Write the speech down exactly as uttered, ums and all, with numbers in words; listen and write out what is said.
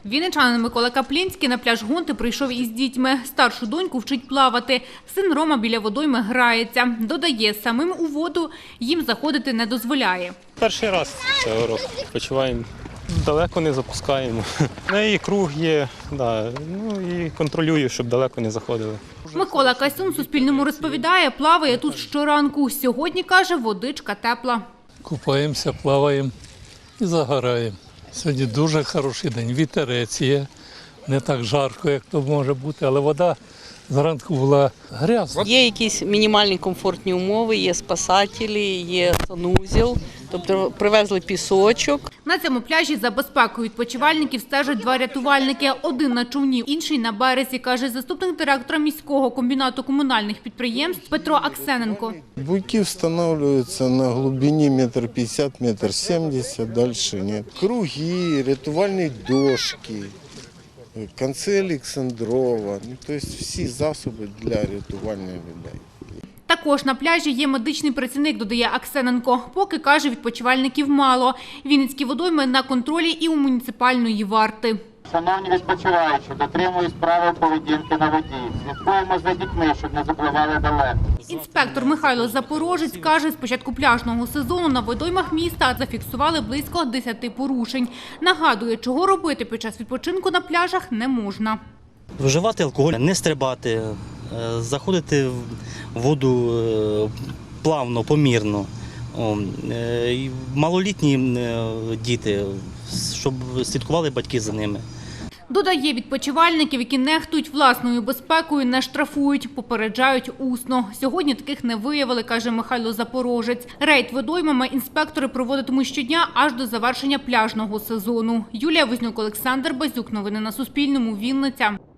Вінничанин Микола Каплінський на пляж Гонти прийшов із дітьми. Старшу доньку вчить плавати. Син Рома біля водойми грається. Додає, самим у воду їм заходити не дозволяє. Перший раз цього року почуваємо. Далеко не запускаємо. На її круг є, да, ну і контролюю, щоб далеко не заходили. Микола Касюн Суспільному розповідає, плаває тут щоранку. Сьогодні, каже, водичка тепла. Купаємося, плаваємо і загораємо. Сьогодні дуже хороший день, вітерець є, не так жарко, як то може бути, але вода зранку була грязна. Є якісь мінімальні комфортні умови, є спасателі, є санузел, тобто привезли пісочок. На цьому пляжі за безпекою відпочивальників стежать два рятувальники. Один на човні, інший на березі, каже заступник директора міського комбінату комунальних підприємств Петро Аксененко. Буйки встановлюються на глибині метр п'ятдесят, метр сімдесят, далі ні. Круги, рятувальні дошки, конці Олександрова, ну, тобто всі засоби для рятування людей. Також на пляжі є медичний працівник, додає Аксененко. Поки, каже, відпочивальників мало. Вінницькі водойми на контролі і у муніципальної варти. Шановні відпочиваючі, дотримуюсь правил поведінки на воді. Слідкуємо за дітьми, щоб не запливали далеко. Інспектор Михайло Запорожець каже, з початку пляжного сезону на водоймах міста зафіксували близько десяти порушень. Нагадує, чого робити під час відпочинку на пляжах не можна. Вживати алкоголь, не стрибати, заходити в воду плавно, помірно. Малолітні діти, щоб слідкували батьки за ними. Додає, відпочивальників, які нехтують власною безпекою, не штрафують, попереджають усно. Сьогодні таких не виявили, каже Михайло Запорожець. Рейд водоймами інспектори проводитимуть щодня аж до завершення пляжного сезону. Юлія Вознюк, Олександр Базюк. Новини на Суспільному. Вінниця.